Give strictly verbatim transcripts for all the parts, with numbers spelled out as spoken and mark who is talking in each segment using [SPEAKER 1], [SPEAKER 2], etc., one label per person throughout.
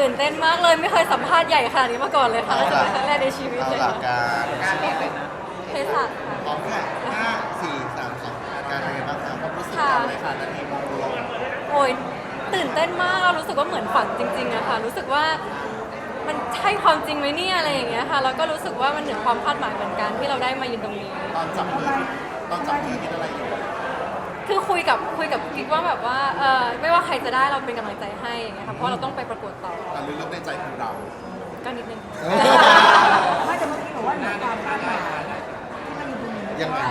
[SPEAKER 1] ตื่นเต้นมากเลยไม่เคยสัมภาษณ์ใหญ่ขนาดนี้มาก่อนเลยค่ะจะเป็นครั้งแรกในชีวิต
[SPEAKER 2] เอา
[SPEAKER 1] เลย
[SPEAKER 2] หลั
[SPEAKER 1] ค่ะ
[SPEAKER 2] กการการเรียนเลยนะ
[SPEAKER 1] เภสัชค่ะ
[SPEAKER 2] พร้อมค่ะห้าสี่สามสองการอะไรบ้างคะความรู้สึกตอนเลยค่ะนาทีมองลง
[SPEAKER 1] โอ้ยตื่นเต้นมากเรารู้สึกว่าเหมือนฝันจริงๆอะค่ะรู้สึกว่ามันใช่ความจริงไหมเนี่ยอะไรอย่างเงี้ยค่ะแล้วก็รู้สึกว่ามันเหนือความคาดหมายเหมือนกันที่เราได้มายืนตรงนี้
[SPEAKER 2] ตอนจับมือตอนจับมือคิดอะไรอยู่
[SPEAKER 1] คือคุยกับคุยกับกิ๊กว่าแบบว่าเออไม่ว่าใครจะได้เราเป็นกำลังใจให้อย่างเงี้ยค่ะเพราะเราต้องไปประกวดต่อ
[SPEAKER 2] แต่ลึกๆในใจของเรา
[SPEAKER 1] ก็นิดนึง
[SPEAKER 3] ไม่แต่เมื่อกี้บอกว่าหนูความคาดหมายที่มันอยู่ตรงนี้
[SPEAKER 2] ยังไง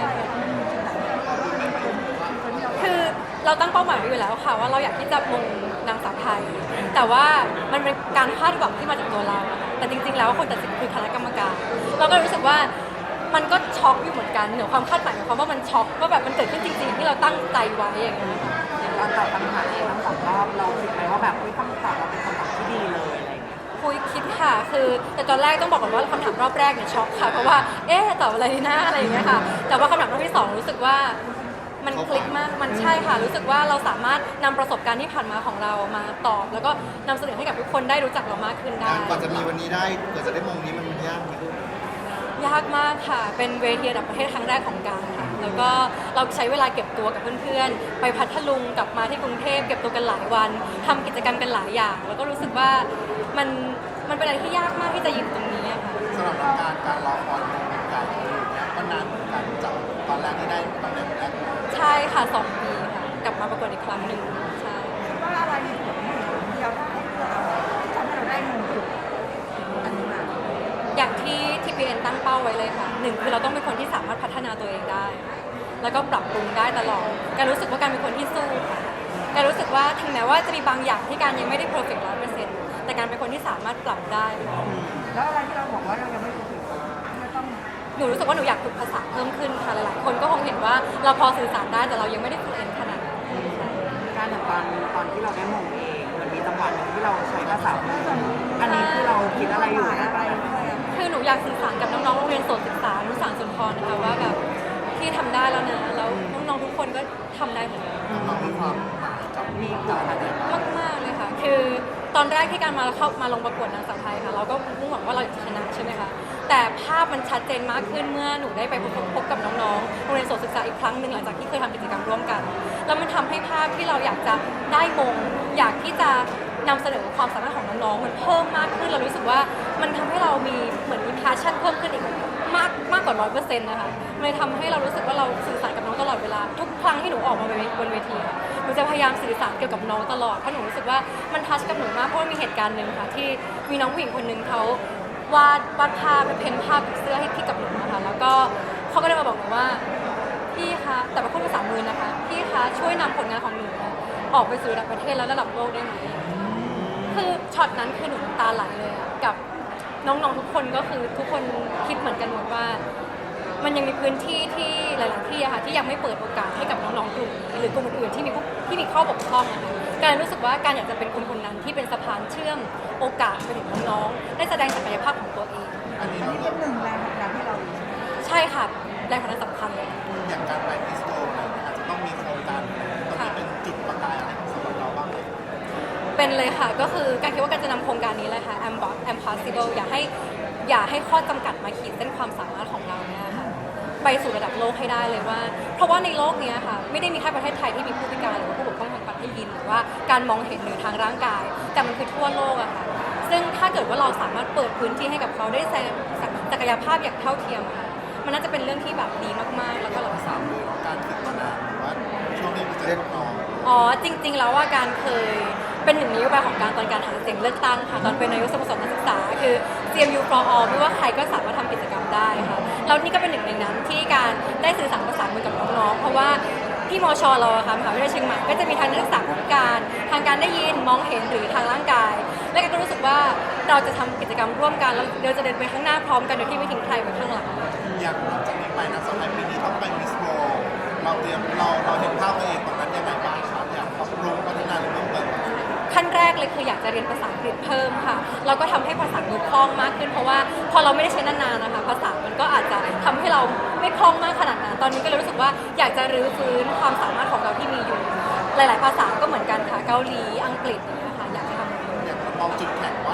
[SPEAKER 1] คือเราตั้งเป้าหมายไว้อยู่แล้วค่ะว่าเราอยากที่จะมงนางสาวไทย แต่ว่ามันเป็นการคาดหวังที่มาจากตัวเราอะค่ะแต่จริงๆแล้วคนตัดสินคือคณะกรรมการ เราก็รู้สึกว่ามันก็ช็อกอยู่เหมือนกันเหนือความคาดหมายของเขามว่ามันช็อกว่าแบบมันเกิดขึ้นจริงๆที่เราตั้งใจไว้อย่างเงี้ยค่ะ
[SPEAKER 3] อย่างตอนตอบคำถามเองทั้งสองรอบเราคิดไหมว่าแบบคำตอบเราเป็นคำตอบที่ดีเลยอะไรอย่างเงี้ย
[SPEAKER 1] คุยคิดค่ะคือแต่ตอนแรกต้องบอกก่อนว่าคำถามรอบแรกเนี่ยช็อกค่ะเพราะว่าเอ๊ะตอบอะไรดีนะอะไรอย่างเงี้ยค่ะแต่ว่าคำถามรอบที่สองรู้สึกว่ามันคลิกมากมันใช่ค่ะรู้สึกว่าเราสามารถนำประสบการณ์ที่ผ่านมาของเรามาตอบ แล้วก็นำเสนอให้กับทุกคนได้รู้จักเรามากขึ้นได้
[SPEAKER 2] กว่าจะมีวันนี้ได้กว่าจะได้มงนี้มันยากไหม
[SPEAKER 1] ยากมากค่ะเป็นเวทีระดับประเทศครั้งแรกของการค่ะแล้วก็เราใช้เวลาเก็บตัวกับเพื่อนๆไปพัทลุงกลับมาที่กรุงเทพเก็บตัวกันหลายวันทำกิจกรรมกันหลายอย่าง แล้วก็รู้สึกว่ามันมันเป็นอะไรที่ยากมากที่จะยืนตรงนี้อะค่ะ
[SPEAKER 2] สำหรับการการรอคอยมงเป็นการอย่างเงี้ยก็นานเหมือนกันจากตอนแรกที่ได้ตำแหน่งแรก
[SPEAKER 1] ใช่ค่ะสองปีค่ะกลับมาประกวดอีกครั้งหนึ่งใช่
[SPEAKER 3] ว่าอะไรมีผลหนึ่งเดียวได้เพื่อเราที่ทำให้เราได้เงินจุดอันนี้มา
[SPEAKER 1] อย่างที่ทีพีเอ็นตั้งเป้าไว้เลยค่ะหนึ่งคือเราต้องเป็นคนที่สามารถพัฒนาตัวเองได้ แล้วก็ปรับปรุงได้ตลอดการรู้สึกว่าการเป็นคนที่สู้ค่ะการรู้สึกว่าถึงแม้ว่าจะมีบางอย่างที่การยังไม่ได้เพอร์เฟกต์ร้อยเปอร์เซ็นต์แต่การเป็นคนที่สามารถปรับได้
[SPEAKER 3] แล้วอะไรที่เราบอกว่าเรายังไม่ถูกไม่ต้อง
[SPEAKER 1] หนูรู้สึกว่าหนูอยากฝึกภาษาเพิ่มขึ้นค่ะหลายๆคนก็คงเห็นว่าเราพอสื่อสารได้แต่เรายังไม่ได้ฝึกเองขนาดนั้น
[SPEAKER 3] การอย่างตอนตอนที่เราได้มงเองมันมีจังหวะหนึ่งที่เราใช้ภาษาอันนี้คือเราคิดอะไรอยู่อะไร
[SPEAKER 1] คือหนูอยากสื่อสารกับน้องๆโรงเรียนโสตศึกษานุสารสุนทรนะคะว่าแบบที่ทำได้แล้วนะแล้วน้องๆทุกคนก็ทำได้เหมือนกัน
[SPEAKER 2] น้องมีความหมายกับมีกับอะไรบ้าง
[SPEAKER 1] มากมากๆเลยค่ะ คือตอนแรกที่การมาเข้ามาลงประกวดนางสาวไทยค่ะ เราก็มุ่งหวังว่าเราจะชนะใช่ไหมคะ แต่ภาพมันชัดเจนมากขึ้นเมื่อหนูได้ไปพบพบกับน้องๆ โรงเรียนโสตศึกษาอีกครั้งหนึ่งหลังจากที่เคยทำกิจกรรมร่วมกัน แล้วมันทำให้ภาพที่เราอยากจะได้มง อยากที่จะนำเสนอความสามารถของน้องๆ มันเพิ่มมากขึ้น เรารู้สึกว่ามันทำให้เรามีเหมือนมี passion เพิ่มขึ้นอีกมากมากกว่าร้อยเปอร์เซ็นต์นะคะมันเลยทำให้เรารู้สึกว่าเราสื่อสารกับน้องตลอดเวลา ทุกครั้งที่หนูออกมาบนเวทีค่ะหนูจะพยายามสื่อสารเกี่ยวกับน้องตลอด เพราะหนูรู้สึกว่ามันทัชกับหนูมาก เพราะว่ามีเหตุการณ์หนึ่งค่ะที่มีน้องผู้หญิงคนหนึ่งเขาวาดวาดภาพเป็นเพ้นภาพเสื้อให้ที่กับหนูนะคะแล้วก็เขาก็เลยมาบอกหนูว่าพี่คะแต่เป็นพูดภาษามือนะคะพี่คะช่วยนำผลงานของหนูออกไปสู่ระดับประเทศและระดับโลกได้ไหมคือช็อตนั้นคือหนูน้ำตาไหลเลยอะกับน้องๆทุกคนก็คือทุกคนคิดเหมือนกันหมดว่ามันยังมีพื้นที่ที่หลายๆที่อะค่ะที่ยังไม่เปิดโอกาสให้กับน้องๆกลุ่มนี้หรือกลุ่มอื่นๆที่มีที่มีข้อบกพร่องนะคะการรู้สึกว่าการอยากจะเป็นคนคนนั้นที่เป็นสะพานเชื่อมโอกาสไปถึงน้องๆได้แสดงศักยภาพของตัวเอง
[SPEAKER 2] อันนี้
[SPEAKER 3] อันนี้เป็นหนึ่งแรงผลักดันให้เรา
[SPEAKER 1] ใช่ค่ะแรงผลักดันสำคัญเลย
[SPEAKER 2] อย่างการไปมิสโตอะไรเนี่ยอาจจะต้องมีโครงการตรงนี้เป็นจุดประกายอะไรสำหรับเราบ้างไหม
[SPEAKER 1] เป็นเลยค่ะก็คือการคิดว่าการจะนำโครงการนี้เลยค่ะ Am Am Possible อย่าให้อย่าให้ข้อจำกัดมาขีดเส้นความสามารถของเราเนี่ยค่ะไปสู่ระดับโลกให้ได้เลยว่า เพราะว่าในโลกนี้ค่ะไม่ได้มีแค่ประเทศไทยที่มีผู้พิการหรือผู้บกพร่องทางการได้ยินหรือว่าการมองเห็นหรือทางร่างกาย แต่มันคือทั่วโลกอะค่ะซึ่งถ้าเกิดว่าเราสามารถเปิดพื้นที่ให้กับเขาได้แสดงศักยภาพอย่างเท่าเทียมอะค่ะมันน่าจะเป็นเรื่องที่แบบดีมากๆแล้วก็เราสามารถ
[SPEAKER 2] การฝึกมานานหรือว่าช่วงนี้มันจะเล่นน้อง
[SPEAKER 1] อ๋อจริงๆแล้วว่าการเคยเป็นหนึ่งนโยบายของการตอนการหาเสียงเลือกตั้งค่ะตอนเป็นนายกสโมสรนักศึกษาคือ ซี เอ็ม ยู for all ไม่ว่าใครก็สามารถทำกิจกรรมได้ค่ะแล้วนี่ก็เป็นหนึ่งในนั้นที่การได้สื่อสารภาษามือกับน้องๆเพราะว่าที่มชเราอะค่ะมหาวิทยาลัยเชียงใหม่ก็จะมีทางนักศึกษาผู้พิการทางการได้ยินมองเห็นหรือทางร่างกาย และก็รู้สึกว่าเราจะทำกิจกรรมร่วมกันแล้วเราจะเดินไปข้างหน้าพร้อมกันโดยที่ไม่ทิ้งใครไว้ข้างหลัง
[SPEAKER 2] อย่างหลังจากนี้ไปนะสำหรับปีนี้ต้องไปมิสโตเราเตรียมเราเราเห็นภาพตัวเองตรงนั้นยังไงบ้างครับอยากปรับปรุงพัฒนาหรือเพิ่มเติม
[SPEAKER 1] ขั้นแรกเลยคืออยากจะเรียนภาษาอังกฤษเพิ่มค่ะแล้วก็ทำให้ภาษาดูคล่องมากขึ้นเพราะว่าพอเราไม่ได้ใช้นานๆนะคะภาษามันก็อาจจะทำให้เราไม่คล่องมากขนาดนั้นตอนนี้ก็เลยรู้สึกว่าอยากจะรื้อฟื้นความสามารถของเราที่มีอยู่หลายๆภาษาก็เหมือนกันค่ะเกาหลีอังกฤษอย่างเงี้ยค่ะอยากจะทำ
[SPEAKER 2] อยากมองจุดแข็งว่า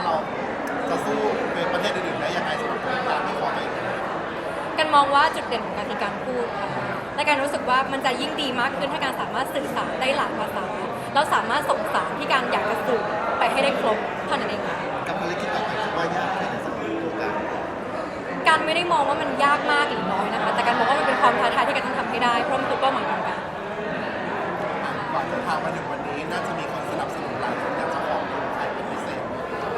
[SPEAKER 2] ษอื่นๆได้ยังไงสำหรับการที่ขอตัวเอง
[SPEAKER 1] กันมองว่าจุดเด่นของการคือการพูดค่ะและการรู้สึกว่ามันจะยิ่งดีมากขึ้นถ้าการสามารถสื่อสารได้หลายภาษาแล้วสามารถส่งสารที่การอยากจะสื่อไปให้ได้ครบเท่านั้นเองค่ะ
[SPEAKER 2] กับภารกิจต่อไปคิดว่ายากแค่ไหนสำหรับตัวการ
[SPEAKER 1] การไม่ได้มองว่ามันยากมากหรือน้อยนะคะแต่การมองว่ามันเป็นความท้าทายที่การต้องทำให้ได้เพราะมันคือเป้าหมายของการ
[SPEAKER 2] ก่อนจะพามาถึงวันนี้น่าจะมีคนสนับสนุนหลายคนอยากจะขอบคุณใครเป็นพิเศษ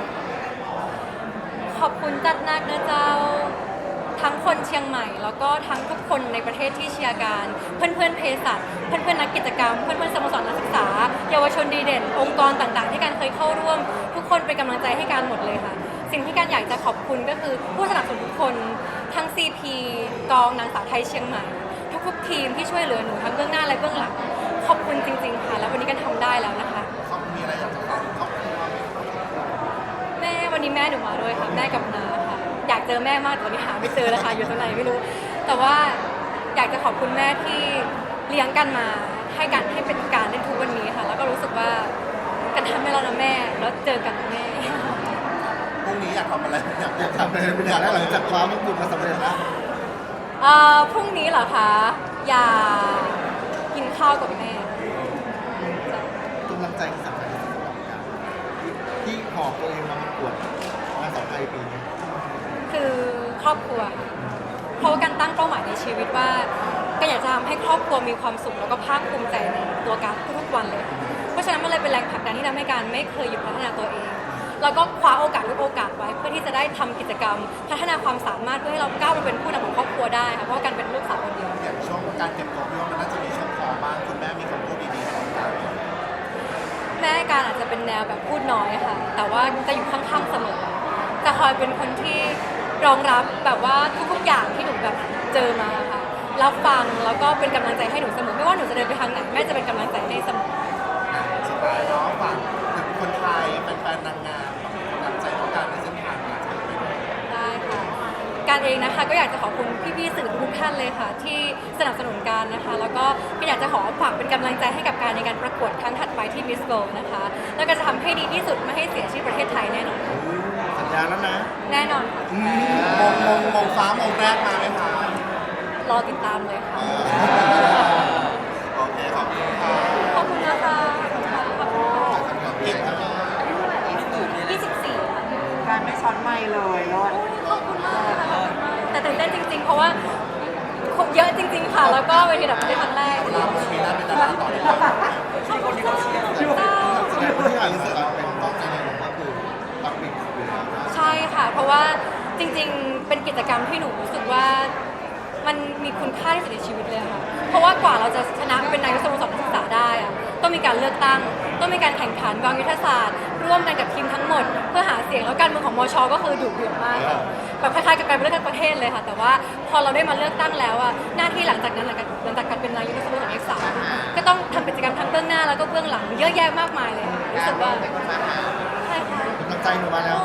[SPEAKER 1] ขอบคุณจัดนักนะเจ้าทั้งคนเชียงใหม่ แล้วก็ทั้งทุกคนในประเทศที่เชียร์การเพื่อนๆเภสัชเพื่อนๆนักกิจกรรมเพื่อนๆสโมสรนักศึกษาเยาวชนดีเด่น องค์กรต่างๆ ที่การเคยเข้าร่วม ทุกคนเป็นกำลังใจให้การหมดเลยค่ะ สิ่งที่การอยากจะขอบคุณก็คือผู้สนับสนุนทุกคนทั้ง ซี พี กองนางสาวไทยเชียงใหม่ ทุกๆทีมที่ช่วยเหลือหนูทั้งเบื้องหน้าและเบื้องหลังขอบคุณจริงๆค่ะแล้ววันนี้กันทำได้แล้วนะคะ
[SPEAKER 2] เขามีอะไรอยากจะฝากขอบคุณว่าไหมครับ
[SPEAKER 1] แม่วันนี้แม่หนูมาด้วยค่ะแม่กับน้าค่ะอยากเจอแม่มากแต่วันนี้หาไม่เจอแล้วค่ะอยู่ตรงไหนไม่รู้ แต่ว่าอยากจะขอบคุณแม่ที่เลี้ยงกันมาให้การให้เป็นการเล่นทุกวันนี้ค่ะ แล้วก็รู้สึกว่ากันทำให้เรานะแม่แล้วเจอกันนะแม่
[SPEAKER 2] พรุ่งนี้อยากทำอะไรอยากอยากทำอะไรเป็นอย่างแรกหลังจากคว้ามงกุฎมาสำเร็จแล้ว
[SPEAKER 1] เอ่อพรุ่งนี้เหรอคะอยากกินข้าวกับแม่
[SPEAKER 2] กำลังใจที่สำคัญที่สุดสำหรับการที่หอบตัวเองมาประกวดงานสาวไทยปีนี้
[SPEAKER 1] คือครอบครัวค่ะเพราะว่าการตั้งเป้าหมายในชีวิตว่าก็อยากจะทำให้ครอบครัวมีความสุขแล้วก็ภาคภูมิใจในตัวการทุกๆวันเลยค่ะเพราะฉะนั้นมันเลยเป็นแรงผลักดันที่ทำให้การไม่เคยหยุดพัฒนาตัวเอง แล้วก็คว้าโอกาสทุกโอกาสไว้เพื่อที่จะได้ทำกิจกรรม พัฒนาความสามารถเพื่อให้เราก้าวมาเป็นผู้นำของครอบครัวได้ค่ะเพราะว่าการเป็นลูกสาวคนเดียว
[SPEAKER 2] อย่างช่วงการเก็บตัวพี่ว่ามันน่าจะมีช่วงคอบ้างคุณแม่มีคำพูดดีๆของการ
[SPEAKER 1] แม่การอาจจะเป็นแนวแบบพูดน้อยค่ะ แต่ว่าจะอยู่ข้างๆเสมอ จะคอยเป็นคนที่รองรับแบบว่าทุกๆอย่างที่หนูแบบเจอมาค่ะ รับฟังแล้วก็เป็นกำลังใจให้หนูเสมอ ไม่ว่าหนูจะเดินไปทางไหนแม่จะเป็นกำลังใจให้เสมอ
[SPEAKER 2] สุดท้ายเนาะฝากถึงคนไทยแฟนๆนางงามกำลังใจของการในเส้นทางการจะเป็น
[SPEAKER 1] ได้ค่ะ การเองนะคะก็อยากจะขอบคุณพี่ๆสื่อทุกท่านเลยค่ะ ที่สนับสนุนการนะคะ แล้วก็ก็อยากจะขอฝากเป็นกำลังใจให้กับการในการประกวดครั้งถัดไปที่ Miss World นะคะ แล้วก็จะทำให้ดีที่สุดไม่ให้เสียชื่อประเทศไทยแน่นอนค่ะ
[SPEAKER 2] สัญญาแล้วนะ
[SPEAKER 1] แน่นอนค่ะ
[SPEAKER 2] มงมงมงฟ้ามงแรกมาไหมคะ
[SPEAKER 1] รอติดตามเลยค่ะ
[SPEAKER 2] โอเคขอบคุณค่ะ
[SPEAKER 1] ขอบคุณนะคะขอบคุณค่ะขอบคุณค่ะ
[SPEAKER 2] เก่งมาก
[SPEAKER 1] ยี่สิบสี่ค่ะ
[SPEAKER 3] การไม่ช้อนไม่เลยรอด
[SPEAKER 1] ขอบคุณมากค่ะขอบคุณมากแต่ตื่นเต้นจริงๆ เพราะว่าคนเยอะจริง ๆ ค่ะ แล้วก็เวทีแบบเป็นครั้งแรก
[SPEAKER 2] เราปีหน้าเป็นดาราต่อเลย
[SPEAKER 1] ขอบคุณค่ะเจ้า
[SPEAKER 2] ที่อ่านเสือเป็นต้องใจในหลวงก็คือปักปิดอยู่แล้วนะ
[SPEAKER 1] ใช่ค่ะ เพราะว่าจริงๆ เป็นกิจกรรมที่หนูรู้สึกว่ามันมีคุณค่าที่สุดในชีวิตเลยค่ะ เพราะว่ากว่าเราจะชนะเป็นนายกสโมสรนักศึกษาได้อะต้องมีการเลือกตั้ง ต้องมีการแข่งขันวางยุทธศาสตร์ ร่วมกันกับทีมทั้งหมด เพื่อหาเสียงแล้วการเมืองของมช ก็คือดุเดือดมากค่ะแบบคล้ายๆกับการเลือกตั้งประเทศเลยค่ะ แต่ว่าพอเราได้มาเลือกตั้งแล้วอะหน้าที่หลังจากนั้นหลังจากหลังจากการเป็นนายกสโมสรนักศึกษาก็ต้องทำกิจกรรมทั้งเบื้องหน้าแล้วก็เบื้องหลังเยอะแยะมากมายเลยค่ะรู้สึกว่าใช่ค่ะ
[SPEAKER 2] กำลังใจหนูมาแล้ว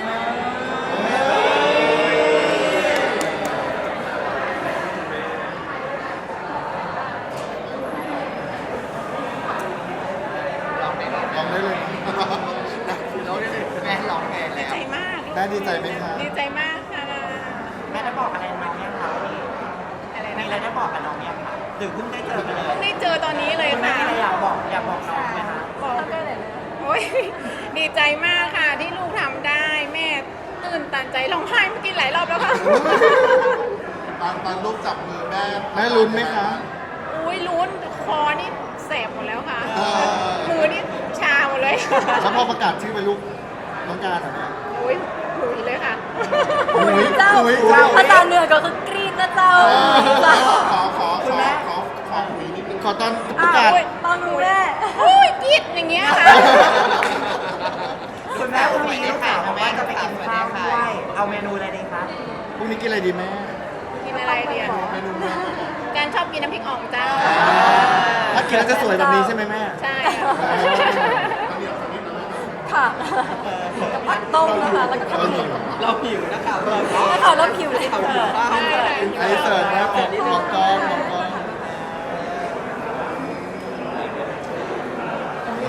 [SPEAKER 2] ลองได้เลยลองได้เลยแม่ลองแม่
[SPEAKER 4] ดี
[SPEAKER 2] แล้ว
[SPEAKER 4] ใจมาก
[SPEAKER 2] แม่ดีใจไหมคะ
[SPEAKER 4] ดีใจมากค่ะ
[SPEAKER 3] แม่ได้บอกอะไรน้องยังคะวันนี้
[SPEAKER 4] อะไร
[SPEAKER 3] มี
[SPEAKER 4] นะ
[SPEAKER 3] อะไรได้บอกกับน้องยังคะหรือเพิ่งได้เจอกันเลย
[SPEAKER 4] เพิ่งได้เจอตอนนี้เลย
[SPEAKER 3] คุณแม่
[SPEAKER 4] ค่ะ
[SPEAKER 3] มีอะไรอยากบอกอยากบอกน้องไหมคะ
[SPEAKER 4] บอกโอ้ยดีใจมากค่ะที่ลูกทำได้ แม่ตื่นตันใจร้องไห้เมื่อกี้หลายรอบแล้วค่ะ
[SPEAKER 2] ตอนตอนลูกจับมือแม่แม่ลุ้นไหมคะ
[SPEAKER 4] อุ้ยลุ้นคอนี่แสบหมดแล้วค่ะ
[SPEAKER 2] เออ
[SPEAKER 4] มือนี่ชาหมดเลย
[SPEAKER 2] แล้วพอประกาศชื่อเป็นลูกน้องการเหรอเนี่ย
[SPEAKER 4] อุ้ยหุยเลยค่ะ
[SPEAKER 2] หุย
[SPEAKER 1] เจ้า
[SPEAKER 2] หุยเจ้า
[SPEAKER 1] ภาษาเหนือก็คือกรีดนะเจ้า
[SPEAKER 2] ขอขอขอขอขอขอหุยนิดนึงขอตอนป
[SPEAKER 1] อ้า
[SPEAKER 2] ระกาศ
[SPEAKER 1] วตอนหนูแม่
[SPEAKER 4] อุ้ยกรีดอย่างเงี้ยค่ะ
[SPEAKER 3] คุณแม่พรุ่งนี้ลูกสาวบอกว่าจะไปกินข้าวด้วยเอาเมนูอะไรดีคะ
[SPEAKER 2] พรุ่งนี้กินอะไรดีแม่
[SPEAKER 4] กินอะไรเดียว
[SPEAKER 2] เมนูแม่
[SPEAKER 4] การชอบกินน้ำพริกอ่องเจ้า
[SPEAKER 2] ถ้ากินแล้วจะสวยแบบนี้ใช่ไหมแม่
[SPEAKER 4] ใช่
[SPEAKER 1] ค่ะกับผักต้มนะคะแล้วก็ข้าวเหนียว
[SPEAKER 3] เราผิวนะคะเรา
[SPEAKER 1] แล้วเขาเริ่มคิวเลย
[SPEAKER 2] ไอเสิร์ฟนะของของกองของกอง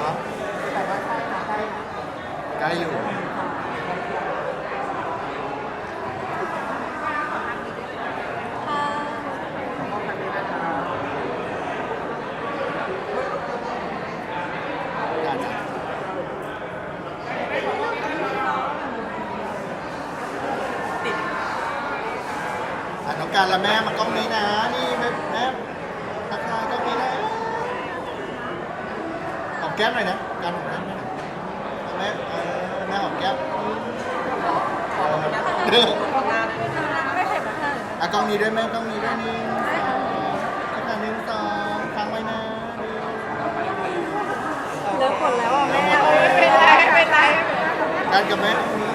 [SPEAKER 2] ใกล้อยู่การละแม่มันกล้องนี้นะนี่แม่แม่ทักทายกล้องนี้นะหอมแก้มหน่อยนะการหอมแก้มหน่อยแม่เออแม่หอมแก้มเด้อ
[SPEAKER 1] ไม่เข็ดนะคะ
[SPEAKER 2] อ่ะกล้องนี้ด้วยแม่กล้องนี้ด้วยนี่ทักทายหนึ่งสองค้างไว้นะ
[SPEAKER 1] เลิกหมดแล้วอ่ะแม่
[SPEAKER 4] ไม่เป็นไรไม่เป็นไร
[SPEAKER 2] การกับแม่ตรงนี้